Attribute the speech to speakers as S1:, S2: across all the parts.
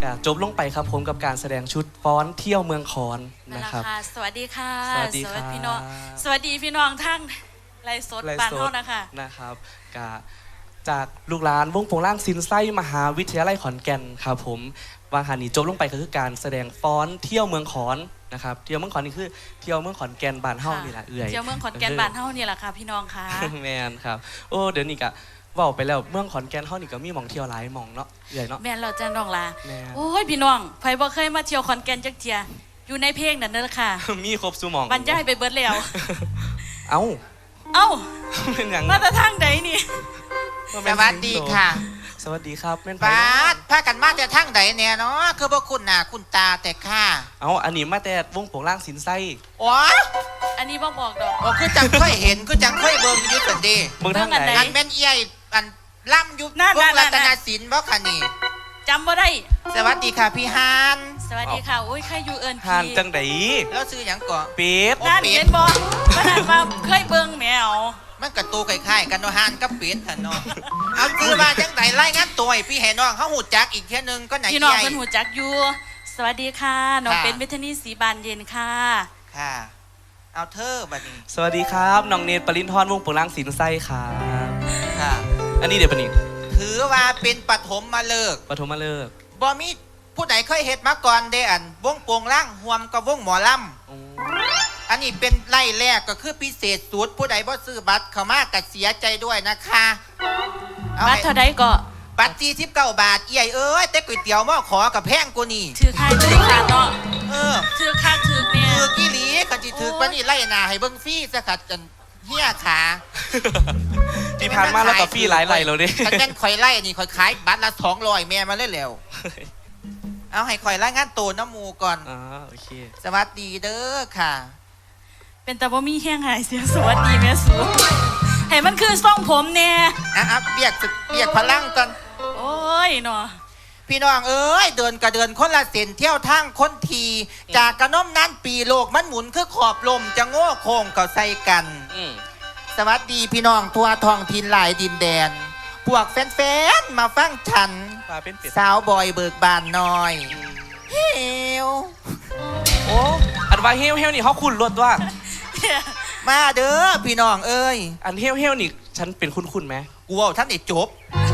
S1: ก็จบลงไปครับผมกับการแสดงชุดฟ้อนเที่ยวเมืองคอนนะครับ
S2: สวัสดีค่ะ
S1: สวัสดีครับ
S2: พี่น้องสวัสดีพี่น้องทั้งไลฟ์สดบ้านเฮา
S1: นะครับก็จากลูกหลานวงโปงล่างซินไส้มหาวิทยาลัยขอนแก่นครับผมวางหานีจบลงไปก็คือการแสดงฟ้อนเที่ยวเมืองขอนนะครับเที่ยวเมืองขอนนี่คือเที่ยวเมืองขอนแก่นบ้านเฮานี่แหละเ
S2: ที่ยวเมืองขอนแก่นบ้านเฮานี่แหละค่ะพี่น้องค่ะ
S1: แมนครับโอ้เดี๋ยวนี้ก็ว่าไปแล้วเมืองขอนแก่นเฮานี่ก็มีหม่องเที่ยวหลายหม่องเนาะใหญ่เนาะ
S2: แม่นเราจะน้องลาโอ้ยพี่น้องไผบ่เคยมาเที่ยวขอนแก่นจักเที่ยอยู่ในเพลงนั่นเด้อค่ะ
S1: มีครบซุหม่อง
S2: บรรยายไปเบิดแล้ว
S1: เอ้า
S2: เป็นหยังมาแต่ทางใดนี่
S3: สวัสดีค่ะ
S1: สวัสดีครับแม่น
S3: ป้าพากันมาแต่ทางใดเนี่ยเนาะคือบ่คุณหน้าคุณตาแต่ค่ะ
S1: อันนี้มาแต่วงโปงล่างสินไส้
S3: อ๋อ
S2: อันนี้บ่บอกดอก
S3: อ๋อคือจังเคยเห็นคือจังเคยเบิ่งอยู่ซั่นเด้
S1: เบิ่งทางไหน
S3: อันแม่นเอี้ยอันล่ำอยู่วงรัตนศิลป์บ่คะนี่
S2: จำบ่ได้
S3: สวัสดีค่ะพี่ฮาน
S2: สวัสดีค่ะโอ้ยใครอยู่เอิ้นพี่
S1: ฮานจังได๋
S3: แล้วชื่อหยังก่อ
S1: เป็ด
S2: นั่นเห็นบ่ขนาดว่าเคยเบิ่งแมว
S3: มันก็ตูคล้ายๆกันเนาะฮานกับเป็ดหั่นเนาะเอาคือว่าจังได๋รายงานตัวให้พี่ให้น้องเฮาฮู้จักอีกเที่ยนึงก็ไหน
S2: พี่น้องเพิ่นฮู้จักอยู่สวัสดีค่ะน้องเป็นเวทนีศรีบานเย็นค่ะ
S3: ค่ะเอาเธอบัดนี้
S1: สวัสดีครับน้องเนตรปรินทร์วงโปงล่างสินไส้ครับ
S3: ค่ะ
S1: อันนี้เดี๋ยวปะนี่
S3: ถือว่าเป็นปฐมฤกษ์บ่มีผู้ใดเคยเฮ็ดมาก่อนเด้อันวงโปงล่างรวมกับวงหมอลำอันนี้เป็นไล่แรกก็คือพิเศษสุดผู้ใดบ่ซื้อบัตรเข้ามาก็เสียใจด้วยนะคะ
S2: บัตรเท่าใดก็
S3: บัตร49 บาทเอี้ยเอ้ยแต่ก๋วยเตี๋ยวหม้อขอกับแพงกว่านี่
S2: ถือค่าถือค่าเนาะถือค่าถือเนี่ย
S3: ถือกี่หลีคันสิถือปานนี้ไล่หน้าให้เบิ่งฟรีซะค่ะจนเหี้ยขา
S1: ที่ผ่านมาแล้วก็ฟรีหลายไล่แล้วเด้
S3: คันแม่นข่อยไล่นี่ข่อยขายบัตรละ200แม่มาเลยแล้วเอาให้ข่อยรายงานตัวน้ำหมู่ก่อน
S1: โอเค
S3: สวัสดีเด้อค่ะ
S2: เป็นแต่ว่ามีแห้งหายเสียสวัสดีแม่สูให้มันคือส่องผมแน่
S3: เบียกพลังก่อน
S2: โอ้ยเนาะ
S3: พี่น้องเอ้ยเดินกระเดินคนละเส้นเที่ยวทางคนทีจากกระน้มนั้นปีโลกมันหมุนคือขอบลมจะโง่โค้งก็ใส่กันสวัสดีพี่น้องทั่วท้องถิ่นหลายดินแดนพวกแฟนๆมาฟังฉันสาวบอยเบิกบานน้อยเฮว
S1: โอ้อันว่าเฮวนี่เขาคุ้นรถว่า
S3: มาเด้อพี่น้องเอ้ย
S1: อันเฮวนี่ฉันเป็นคุ้นไหม
S3: กูว่าท่านได้จบ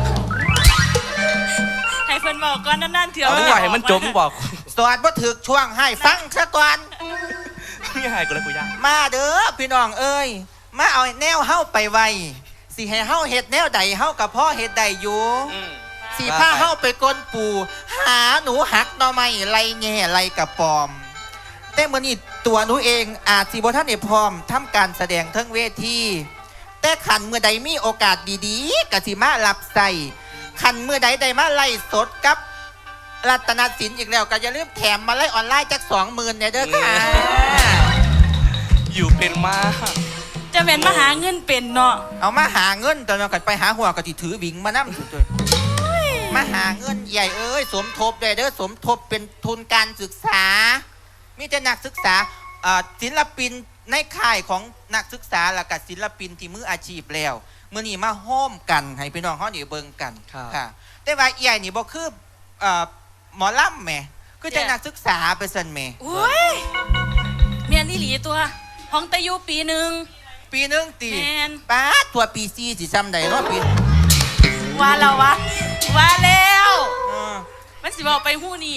S2: ให้เพิ่นบอกก่อนนั่นๆเถอะ
S1: ไม่อยากให้มันจบบอก
S3: สวัสดีบ่ถึกช่วงให้ฟังซะก่อน
S1: ไม่ให้กูแล้วกูยาก
S3: มาเด้อพี่น้องเอ้ยมาเอาแนวเฮาไปไวสิให้เฮาเฮ็ดแนวใดเฮากับพ่อเฮ็ดใดอยู่สิพาเฮาไปก้นปูหาหนูหักหน่อไม้ไรแง่ไรกระปอมแต่มื้อนี้ตัวหนูเองอาจสิบ่ทันได้พร้อมทำการแสดงเทิงเวทีแต่ขันเมื่อใดมีโอกาสดีๆก็สิมารับใส่ขันเมื่อใดได้มาไล่สดกับรัตนศิลป์อีกแล้วก็อย่าลืมแถมมาไล่ออนไลน์จัก 20,000 เนี่ยเด้อค่ะ
S1: อยู่เป็นมาก
S2: จะเป็นมาหาเงินเป็นเนาะ
S3: เอามาหาเงินตอนนั้นก็ไปหาหัวก็สิถือวิ่งมานำจุ๊ยมาหาเงินใหญ่เอ้ยสมทบได้เด้อสมทบเป็นทุนการศึกษามีแต่นักศึกษาศิลปินในค่ายของนักศึกษาและกับศิลปินที่มืออาชีพแล้วมื้อนี้มาโฮมกันให้พี่น้องเฮาได้เบิ่งกันค่ะแต่ว่าใหญ่นี่บ่คือหมอลำแหมคือจะนักศึกษาไปซั่นแหม
S2: โอ้ยแม่นอีหลีตัวของตะยูปีนึง
S3: ติป๊าดตัวปี4สิซ้ำใดเนาะปี
S2: ว่าแล้วมันสิบอกไปหู้นี่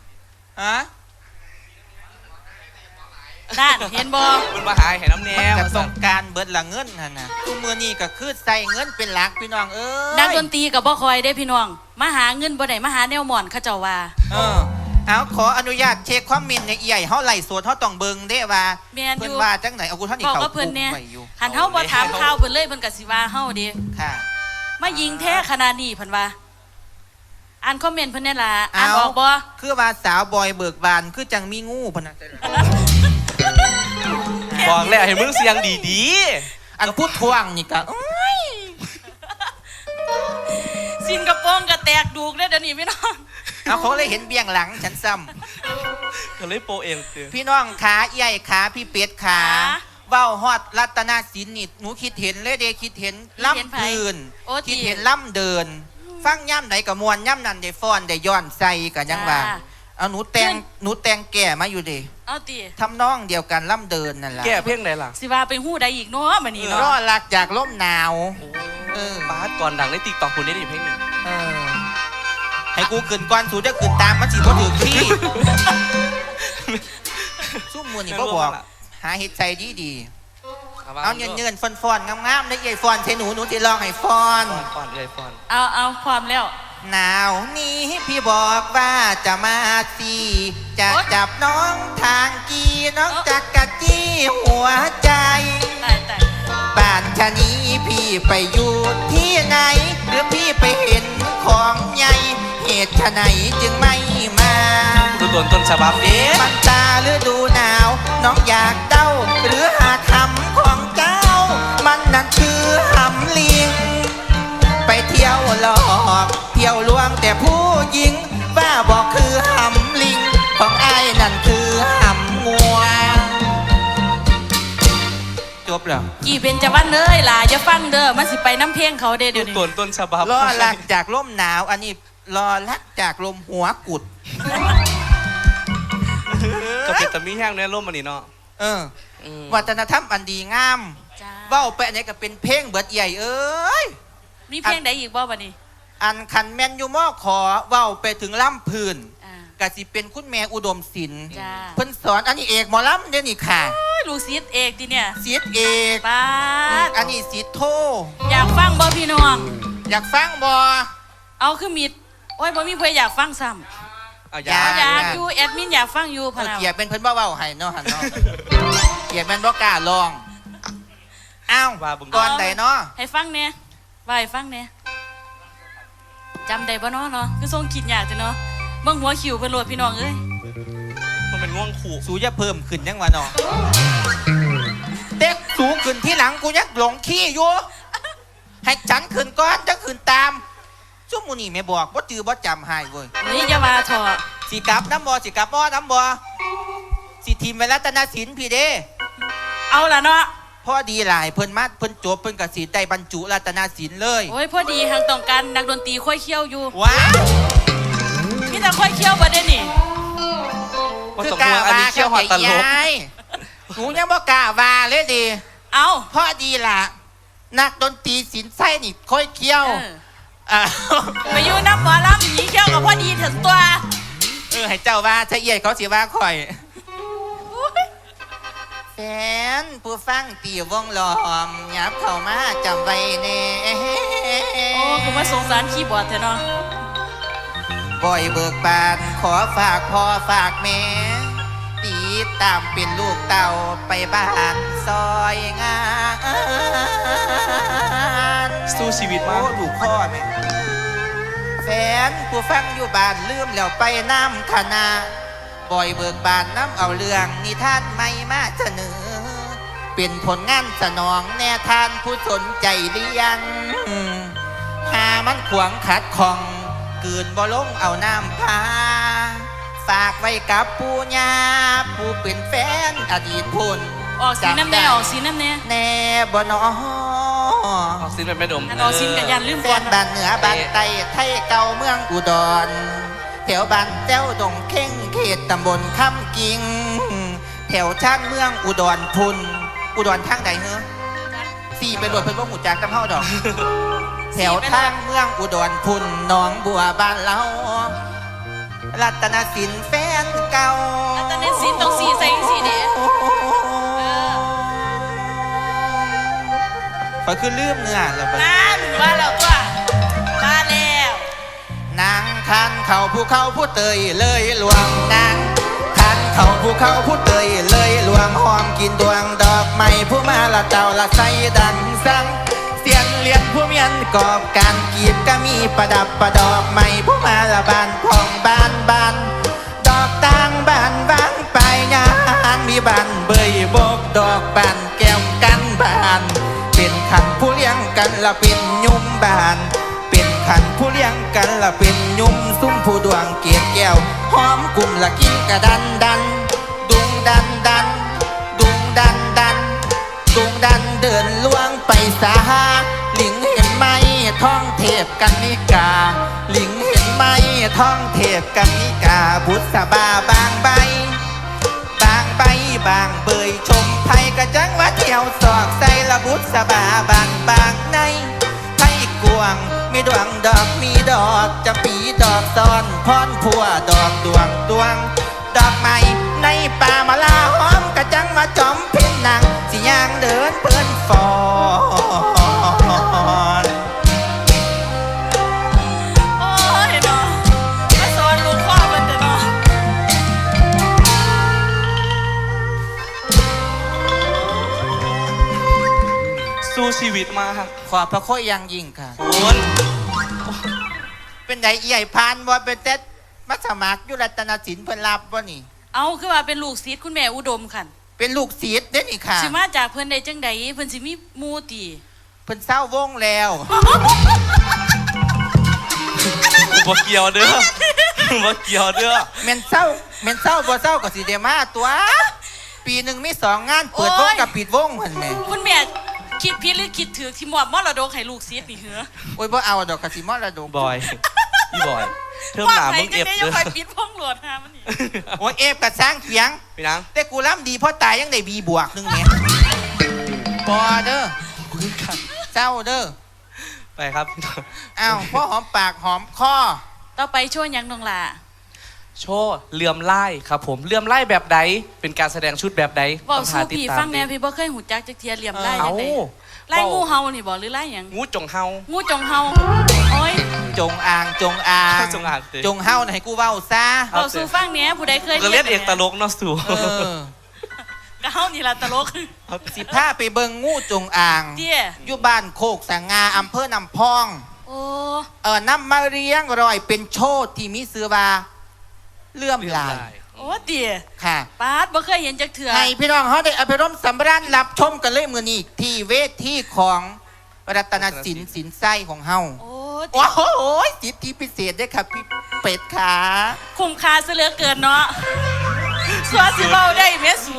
S2: นั่นเห็นบ่
S1: มันมาหายให้น้ำแนว
S3: มันต้องการเบิดละเงินหั่นน่ะทุกมื้อนี้ก็คือใส่เงินเป็นหลักพี่น้องเอ้ย
S2: นักดนตรีก็บ่คอยได้พี่น้องมาหาเงินบ่ได้มาหาแนวหม่อนเขาเจ้าว่า
S3: เอาขออนุญาตเช็คความมินในใหญ่เฮาไล่สดเฮาต้องเบิ่งเด้ว่าเพิ่นว่าจังไหนเอากูท่านนี่เขา
S2: เพิ่นเนี่ยหันเฮาบ่ถามข่าวเพิ่นเลยเพิ่นก็สิว่าเฮาเด้
S3: ค่ะ
S2: มายิงแท้ขนาดนี้เพิ่นว่าอ่านคอมเมนต์เพิ่นนี่ล่ะอ่านบอกบ่
S3: คือว่าสาวบอยเบิกบานคือจังมีงูพนัน
S1: บอกแล้วให้มึงเสียงดี
S3: ๆอันพูดทวงนี่ก็
S2: สินกระโปรงก็แตกดูกเลยเดี๋ยวนี้พี่น้อง
S3: เอาเขาเลยเห็นเบี้ยงหลังฉันซ้
S1: ำเขาเลยโปเอง
S3: พี่น้องขาใหญ่ขาพี่เป็ดขาเว้าฮอดรัตนศิลป์นี่หนูคิดเห็นเลยเด้คิดเห็นล่ำเดินคิดเห็นล่ำเดินฟังย่ำไหนกับมวนย่ำนั่นได้ฟ้อนได้ย้อนใส่กันยังว่า
S2: จ้า
S3: เอาหนูแต่งแก่มาอยู่ดิ
S2: เอาติ
S3: ทำนองเดียวกันล่ำเดินนั่นแหละ
S1: แก้เพียงไหนล่ะ
S2: สิว่าเป็นหู้ใดอีกเนาะบัดนี้เนาะ
S3: รอหลักจากลมหนาว
S1: บาสก่อนดังในติ๊กต็อกคุณได้ดิเพลงหนึ่ง
S3: เออให้กูขึ้นก่อนสูจะขึ้นตามมันสิบ่ถือที่ ซุ่มมือนี่บ่บอกหาเฮ็ดใจดีๆเอาเงินๆฟอนๆงามๆได้ใหญ่ฟอนใส่หนูสิลองให้ฟอน
S1: ฟอนเลยฟอน
S2: เอาความแล้ว
S3: หนาวนี้พี่บอกว่าจะมาสีจะจับน้องทางกีน้องจักกะจี้หัวใจ
S2: ตาย
S3: บ้านชะนี้พี่ไปอยู่ที่ไหน หรือพี่ไปเห็นของใหญ่ เหตุชะไหนจึงไม่มา
S1: ดูต้นฉบับเด้
S3: มันตาฤดูหนาว น้องอยากเด้า หรือหาคำของเจ้า มันนั่นคือหำลิง ไปเที่ยวหลอกเที่ยวลวงแต่ผู้หญิงว่าบอกคือหำลิง ของไอ้ายนั่นคือหำงัวจบแล้ว
S2: กี่เป็นจะวันเลยล่ะอย่าฟังเด้อมันสิไปน้ำเพลงเขาเด้อ
S1: ดู
S2: เดี๋ยวนี้
S1: ต้นฉบับ
S3: รอลักจากลมหนาว อันนี้รอลักจากลมหัวกุด
S1: ก็เป็นตะมีแห้งในร่มมันนี่เนาะ
S3: เออ
S1: อืม
S3: วัฒนธรรมอันดีงาม
S2: จ้า
S3: เว้าไปอันนี้ก็เป็นเพลงเบิดใหญ่เอ้ย
S2: มีเพลงใดอีกบ่บัดนี้
S3: อันคันแมนยูมอขอเว้าไปถึงล่ำพื้น
S2: อ่า
S3: กะสิเป็นคุณแม่อุดมศิลป์
S2: จ้า
S3: เพิ่นสอนอันนี้เอกหมอลำเดี๋ยวนี้ค่ะ
S2: ลูกศิษย์เอกดิเนี่ย
S3: ศิษย์เอก
S2: ป้าด
S3: อันนี้ศิษย์โท
S2: อยากฟังบ่พี่น้อง
S3: อยากฟังบ่
S2: เอาคือมิดโอ้ยบ่มีเพื่ออยากฟังซ้ำ
S1: เอา
S3: อยา
S2: อยากอยู่แอดมินอยากฟังอยู่พะ
S3: เออ
S2: นา
S3: เกียรติเป็นเพิ่นบ่เว้าให้เนาะหั่นเนาะ เกียรติแม่นบ่กล้าลองอ้าว
S1: ว่าบึง
S3: ก่อนใดเนาะ
S2: ให้ฟังเนี่ยว่าให้ฟังเนี่ยจำได้บ่เนาะเนาะคือทรงคิดยากจังเนาะเบิ่งหัวคิวเพิ่นโหลดพี่น้องเอ้ย
S1: มันเป็นง่วงขู่
S3: สูจะเพิ่มขึ้นยังวะเนาะเด็กสูงขึ้นที่หลังกูยักหลงขี้อยู่ให้ฉันขึ้นก่อนจะขึ้นตามซุ่มมูนี่ไม่บอกว่าจือว่าจำให้เว้ย
S2: นี่จะมาเถอะ
S3: สิกลับน้ำบ่สิกลับบ่น้ำบ่สิทีมเวรัตนศิลป์พี่เด้
S2: เอาล่ะเนาะ
S3: พ่อดีหลายเพิ่นมาเพิ่นจบเพิ่นกสิได้บรรจุรัตนศิลป์เลย
S2: โอ้ยพอดีทางต้องการนักดนตรีค่อยเคี้ยวอยู่
S3: ว้าว
S2: มีแต่ค่อยเคี้ยวบ่ได้นี่
S1: ว่าตกลงอันนี้เขี้ยวหอดตลก
S3: ยายหนูยังบ่กล้าว่าเลยดิ
S2: เอา
S3: พ่อดีล่ะนักดนตรีศิลป์ไส้นี่ค่อยเคี้ยว
S2: เออ
S3: อ่า
S2: ไปอยู่น้ำหมอลำหนีเคี้ยวกับพอดีถึงตัว
S3: ให้เจ้าว่าถ้าเอียดเขาสิว่าข่อยแฟนผู้ฟังตีวงล้อมยับเข้ามาจำไว้แน่
S2: โอ้คือว่าสงสารคีย์บอร์ดเถอะเนาะ
S3: บ่อยเบิกบานขอฝากพ่อฝากแม่ตีตามเป็นลูกเต่าไปบ้านซอยงาน
S1: สู้ชีวิต
S3: โอ้
S1: มาก
S3: ลูกพ่อแม่แฟนผู้ฟังอยู่บ้านลืมแล้วไปน้ำคณะบ่อยเบิกบานน้ำเอาเรื่องนิทานไม่มาเสนอ เป็นผลงานสนองแน่ทานผู้สนใจเรียนหามันขวางขัดของกืนบ่ลงเอาน้ำพา ฝากไว้กับปู่ย่าผู้เป็นแฟนอดีตพุ่น
S2: ออกสีน้ำแน่ออกสีน้ำแน่
S3: แน่บ่นอ
S1: ออกซินเป็นไม่ดม
S2: อันออกสีกับยันลืม
S3: แฟ
S2: ก่อน
S3: นบ้านเหนือบ้านใต้ไทยเก่าเมืองอุดร แถวบ้านแจ้วดงเข่งเขตตำบลคำกิง แถวชานเมืองอุดรพุนอุดรทางใดเหรอสี่ไปโหลดเพิ่นบ่หูจักตำเฮาดอก แถวทางเมืองอุดรพุนหนองบัวบ้านเรารัตนศิลป์แฟนเก่า
S2: อันตอนนี้สีต้องสีใส่สีเด้
S3: พอคือลืมเนื้อแล้วบัด
S2: นั่นว่าแล้วตัวมาแล้ว
S3: นางคันเขาภูเขาผู้เตยเลยหลวงนางคันเขาภูเขาผู้เตยเลยหลวงหอมกินดวงดอกไม้ผู้มาละเจ้าละใสดังสังเสียนเลียนผู้เมียนกอบการกีบก็มีประดับประดอกไม้ผู้มาละบานพองบานบานดอกต่างบานวางไปยางมีบานเบยบกดอกบานแก้วกันบานเป็นขันผู้เลี้ยงกันละเป็นยุ่มบานเป็นขันผู้เลี้ยงกันละเป็นยุ่มซุ้มผู้ดวงเกียรแก้วหอมกลุ่มละกินกระดันดันดุงดันดันดุงดันดันดุงดันเดินล่วงไปสาหาลิงเห็นไหมท้องแถพกันนิกาหลิงเห็นไหมท้องเทพกันนิกาบุษบาบางใบบางใบบางเบยชมไทยกระจังว่าเที่ยวสอกใส่ละบุษบาบางในไทยกวงมีดวงดอกมีดอกจะปีดอกซ้อนพรพัวดอกดวงดอกไม้ในป่ามาลาหอมกระจังมาจอมเพ่นนางสิยางเดินเปิ้นฟอน
S2: โอ้ยเนาะมาสอนลูกพ่อมันแต่เนาะ
S1: สู้ชีวิตมาก
S3: ขอบพระคุณอย่างยิ่งค่ะ
S1: คุณ
S3: เป็นไดใหญ่พานว่าเป็นเต็ดมัสมัครยุรัตนศิลป์เพิ่นรับว่านี่
S2: เอาคือว่าเป็นลูกศิษย์คุณแม่อุดมค่ะ
S3: เป็นลูกศิษย์เด้นี่ค่ะ
S2: สิมาจากเพิ่นได้จังใดเพิ่นสิมีหมู่ติ
S3: เพิ่นเศร้าวงแล้ว
S1: บ่เกี่ยวเด้อบ่เกี่ยวเด้อ
S3: แม่นเศร้าบ่เศร้าก็สิเดมาตัว ปีหนึ่งมี2 งานเปิดวงกับปิดวงเพิ่นแหม่
S2: คุณแม่คิดผิดหรือคิดถูกที่มอบมรดกให้ลูกศิษย์นี่เหรอ
S3: โอ้ยบ่เอาดอกกะสิมรดก
S1: บอยพี่บอยเทิมหนามึงเอฟ
S2: ว่าใครจะได้
S1: เด้
S2: ยั
S1: อง
S2: คอยปิดพงโหลดหามันนี่
S3: โอ้ยเอฟกับสร้างเสียง
S1: พี่นัง
S3: แต่กูล้ำดีเพราะตายยังได้บีบวกนึงแหม่บ่เด้อเศร้าเด้อ
S1: ไปครับพี่น้อง
S3: อ้าวพ่อหอมปากหอมคอ
S2: ต่อไปช่วยยังน้องล่ะ
S1: โชว์เลื่อมไล่ครับผมเลื่อมไล่แบบใดเป็นการแสดงชุดแบบใด
S2: เว้า
S1: ต้อง
S2: สู้
S1: หาติด
S2: พี่
S1: ตาม
S2: ฟังแน่พี่บ่เคยหูจักจักเทียเหลี่ยมไล่
S1: เอา
S2: จังไดไล่งูเห่านี่บ่หรือไล่หยัง
S1: งูจงเฮา
S2: งูจงเห่าโอ้ย
S3: จงอ่าง
S1: จงอ่างสิ
S3: จงเฮาน่ะให้กูเว้าซะ
S2: เว้าสู้ฟังแหน่ผู้ใดเคย
S1: ก็เล่นเอกตลกเนาะสู่
S3: เออ
S2: ก็เฮานี่ล่ะตลก
S3: สิพาไปเบิ่งงูจงอ่าง
S2: เตี้ย
S3: อยู่บ้านโคกสังงาอำเภอนำพอง
S2: โอ้
S3: นำมาเลี้ยงรอยเป็นโชดที่มีซื้อว่าเลื่อมลาย
S2: โอ้เตี้ย
S3: ค่ะ
S2: ปาดบ่เคยเห็นจักเทื่อ
S3: ให้พี่น้องเขาได้อภิรมย์สำราญรับชมกันเลยมือนี้ที่เวทีของรัตนศิลป์สินไส้ของเฮา
S2: โอ้
S3: โอ้
S2: เตี้ย
S3: โหสิทธิพิเศษด้วยค่ะพี่เป็ดขา
S2: คุ้มค่าซะเหลือเกินเนาะสัวสิเว้าได้แม่สู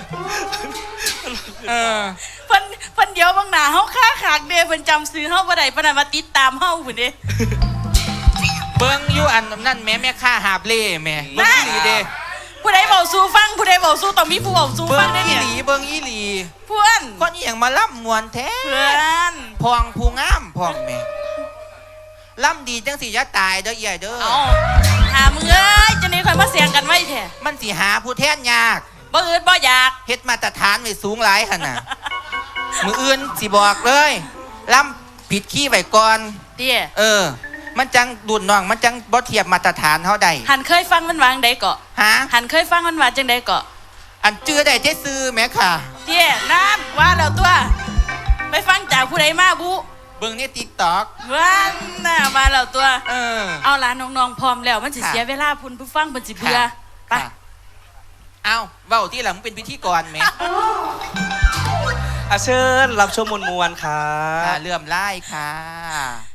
S3: เออ
S2: เพิ่นเดี๋ยวบางหน้าเฮาค้าขากเด้เพิ่นจำซื้อเฮาบ่ได้ปานนั้นมาติดตามเฮาพุ่นเด้
S3: เบิ้งอยู่อันนั่นแม่ค่าหาบเล่แม่เบิ้งอีหลีเด้
S2: ผู้ใดเว้าสู่ฟังผู้ใดเว้าสู่ต้องมีผู้เว้าสู่
S3: เบิ้
S2: ฟั
S3: ง
S2: งได้
S3: อี
S2: เนี่ย
S3: หลีเบิ้งอีหลี
S2: เพื่อน
S3: คนอีหยังมาล่ำมวนแท้
S2: เพื่อน
S3: พองผู้งามพองแม่ล่ำดีจังสิจะตายเด้อใหญ่เด้อ
S2: เอาหามึงเอ้ยจะนี่ค่อยมาเสียงกันไว้แท้
S3: มันสิหาผู้แทนยาก
S2: บ่อื่นบ่อยาก
S3: เฮ็ดมาตรฐานไว้สูงหลายหั่นน่ะ มืออื่นสิบอกเลยล่ำผิดขี้ไว้ก่อน
S2: เตี้ย
S3: มันจังดุนน้องมันจังบ่เทียบมาตรฐานเฮาได้
S2: หันเคยฟังมันวางใดเกาะ
S3: ฮะ
S2: หันเคยฟังมันว่าจังใดเกาะ
S3: อันจื้อได้เจ๊ซื้อแหม่ค่ะ
S2: เตี้ยนั่นว่าแล้วตัว ไปฟังจากผู้ใดมาบุ
S3: เบิ่งใน TikTok
S2: ว่าน่ะมาแล้วตัว เอาล่ะน้องๆพร้อมแล้วมันสิ
S3: ค่ะ
S2: เสียเวลาพุ่นผู้ฟังเพิ่นสิเบื่อไป
S3: ค่ะเอาเว้าที่หลังมึงเป็นพิธีกรแหม
S1: อาเชิญรับชมมวลๆครั
S3: ค่ะ
S1: บ
S3: เลื่อมไล่ค่ะ